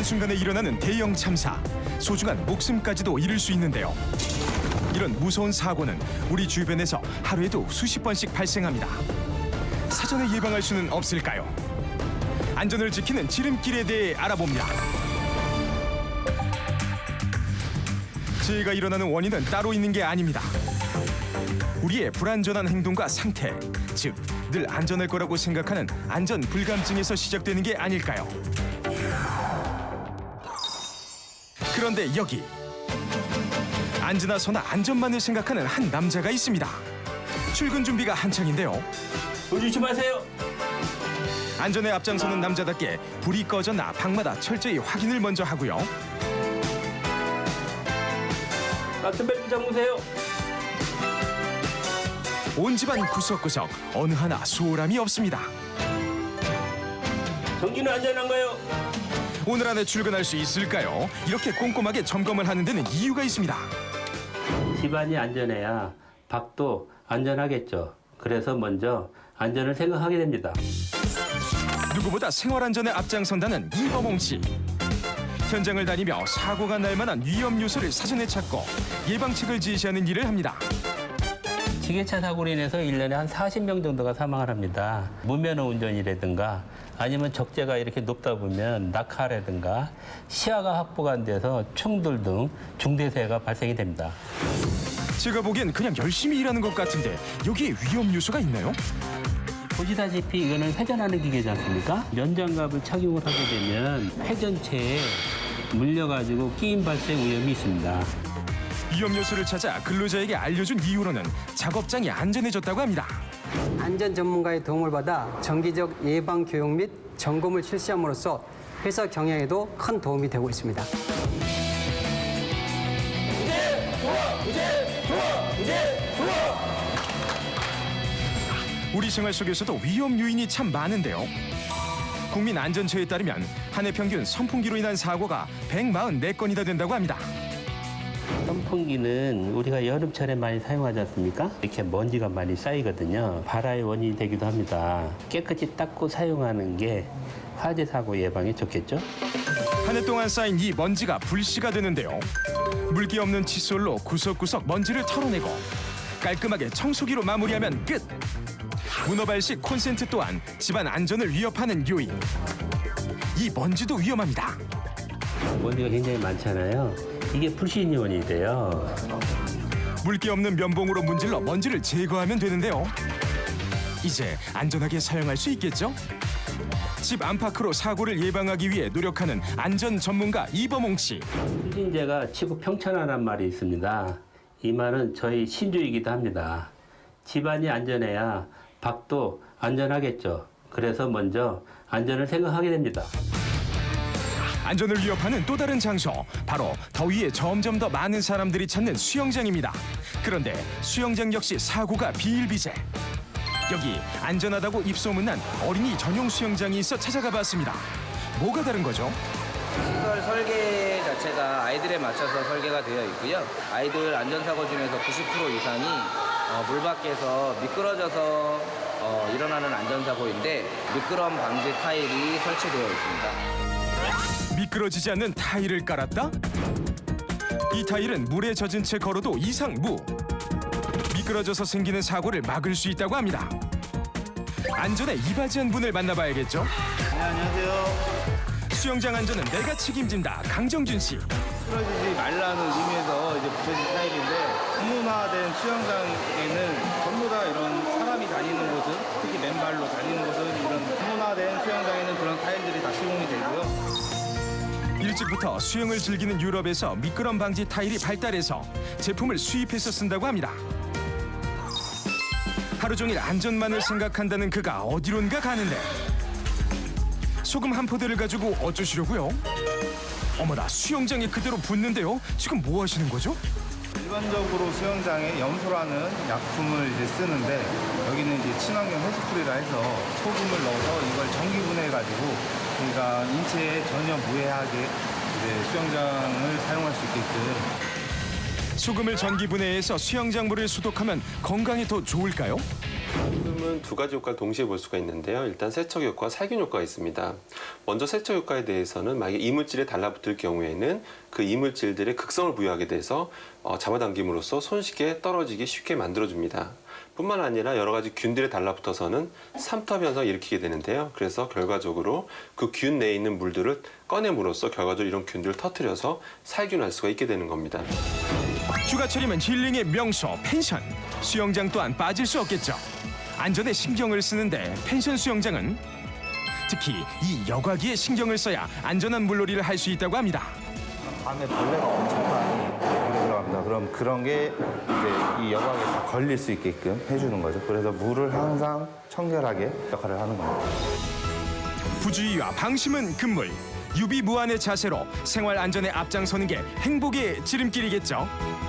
한순간에 일어나는 대형 참사, 소중한 목숨까지도 잃을 수 있는데요. 이런 무서운 사고는 우리 주변에서 하루에도 수십 번씩 발생합니다. 사전에 예방할 수는 없을까요? 안전을 지키는 지름길에 대해 알아봅니다. 재해가 일어나는 원인은 따로 있는 게 아닙니다. 우리의 불안전한 행동과 상태, 즉 늘 안전할 거라고 생각하는 안전 불감증에서 시작되는 게 아닐까요? 그런데 여기 앉으나서나 안전만을 생각하는 한 남자가 있습니다. 출근 준비가 한창인데요. 불 조심하세요. 안전에 앞장서는 남자답게 불이 꺼졌나 방마다 철저히 확인을 먼저 하고요. 락스벨트 잠그세요. 온 집안 구석구석 어느 하나 소홀함이 없습니다. 전기는 안전한가요? 오늘 안에 출근할 수 있을까요? 이렇게 꼼꼼하게 점검을 하는 데는 이유가 있습니다. 집안이 안전해야 밖도 안전하겠죠. 그래서 먼저 안전을 생각하게 됩니다. 누구보다 생활안전에 앞장선다는 이범홍 씨. 현장을 다니며 사고가 날 만한 위험 요소를 사전에 찾고 예방책을 지시하는 일을 합니다. 지게차 사고로 인해서 1년에 한 40명 정도가 사망을 합니다. 무면허 운전이라든가 아니면 적재가 이렇게 높다 보면 낙하라든가 시야가 확보가 안 돼서 충돌 등 중대재해가 발생이 됩니다. 제가 보기엔 그냥 열심히 일하는 것 같은데 여기에 위험 요소가 있나요? 보시다시피 이거는 회전하는 기계지 않습니까? 면장갑을 착용을 하게 되면 회전체에 물려가지고 끼임 발생 위험이 있습니다. 위험 요소를 찾아 근로자에게 알려준 이후로는 작업장이 안전해졌다고 합니다. 안전 전문가의 도움을 받아 정기적 예방 교육 및 점검을 실시함으로써 회사 경영에도 큰 도움이 되고 있습니다. 우리 생활 속에서도 위험 요인이 참 많은데요. 국민안전처에 따르면 한 해 평균 선풍기로 인한 사고가 144건이나 된다고 합니다. 선풍기는 우리가 여름철에 많이 사용하지 않습니까? 이렇게 먼지가 많이 쌓이거든요. 발화의 원인이 되기도 합니다. 깨끗이 닦고 사용하는 게 화재 사고 예방에 좋겠죠? 한 해 동안 쌓인 이 먼지가 불씨가 되는데요. 물기 없는 칫솔로 구석구석 먼지를 털어내고 깔끔하게 청소기로 마무리하면 끝! 문어발식 콘센트 또한 집안 안전을 위협하는 요인. 이 먼지도 위험합니다. 먼지가 굉장히 많잖아요. 이게 불신 요인이 돼요. 물기 없는 면봉으로 문질러 먼지를 제거하면 되는데요. 이제 안전하게 사용할 수 있겠죠? 집 안팎으로 사고를 예방하기 위해 노력하는 안전 전문가 이범홍 씨. 불신제가 치고 평천하란 말이 있습니다. 이 말은 저희 신조이기도 합니다. 집안이 안전해야 밖도 안전하겠죠. 그래서 먼저 안전을 생각하게 됩니다. 안전을 위협하는 또 다른 장소, 바로 더위에 점점 더 많은 사람들이 찾는 수영장입니다. 그런데 수영장 역시 사고가 비일비재. 여기 안전하다고 입소문난 어린이 전용 수영장이 있어 찾아가 봤습니다. 뭐가 다른 거죠? 시설 설계 자체가 아이들에 맞춰서 설계가 되어 있고요. 아이들 안전사고 중에서 90% 이상이 물 밖에서 미끄러져서 일어나는 안전사고인데 미끄럼 방지 타일이 설치되어 있습니다. 미끄러지지 않는 타일을 깔았다? 이 타일은 물에 젖은 채 걸어도 이상 무. 미끄러져서 생기는 사고를 막을 수 있다고 합니다. 안전에 이바지한 분을 만나봐야겠죠? 네, 안녕하세요. 수영장 안전은 내가 책임진다. 강정준 씨. 쓰러지지 말라는 의미에서 이제 붙여진 타일인데 공문화된 수영장에는 전부 다 이런 사람이 다니는 곳은 특히 맨발로 다니는 곳은 이런 공문화된 수영장에는 그런 타일들이 다 시공이 되고요. 일찍부터 수영을 즐기는 유럽에서 미끄럼 방지 타일이 발달해서 제품을 수입해서 쓴다고 합니다. 하루 종일 안전만을 생각한다는 그가 어디론가 가는데 소금 한 포대를 가지고 어쩌시려고요? 어머나, 수영장에 그대로 붓는데요. 지금 뭐 하시는 거죠? 일반적으로 수영장에 염소라는 약품을 이제 쓰는데 여기는 이제 친환경 해수풀이라 해서 소금을 넣어서 이걸 전기 분해해가지고 그러니까 인체에 전혀 무해하게 이제 수영장을 사용할 수 있게끔. 소금을 전기 분해해서 수영장 물을 소독하면 건강에 더 좋을까요? 소금을 수영장에서는 두 가지 효과를 동시에 볼 수가 있는데요. 일단 세척 효과, 살균 효과가 있습니다. 먼저 세척 효과에 대해서는 만약에 이물질에 달라붙을 경우에는 그 이물질들의 극성을 부여하게 돼서 잡아당김으로써 손쉽게 떨어지기 쉽게 만들어줍니다. 뿐만 아니라 여러 가지 균들에 달라붙어서는 삼투압 현상을 일으키게 되는데요. 그래서 결과적으로 그 균 내에 있는 물들을 꺼냄으로써 결과적으로 이런 균들을 터뜨려서 살균할 수가 있게 되는 겁니다. 휴가철이면 힐링의 명소 펜션. 수영장 또한 빠질 수 없겠죠. 안전에 신경을 쓰는데 펜션 수영장은 특히 이 여과기에 신경을 써야 안전한 물놀이를 할 수 있다고 합니다. 밤에 벌레가 엄청 많이 들어갑니다. 그럼 그런 게 이제 이 여과기에 다 걸릴 수 있게끔 해주는 거죠. 그래서 물을 항상 청결하게 역할을 하는 겁니다. 부주의와 방심은 금물. 유비무환의 자세로 생활 안전에 앞장서는 게 행복의 지름길이겠죠.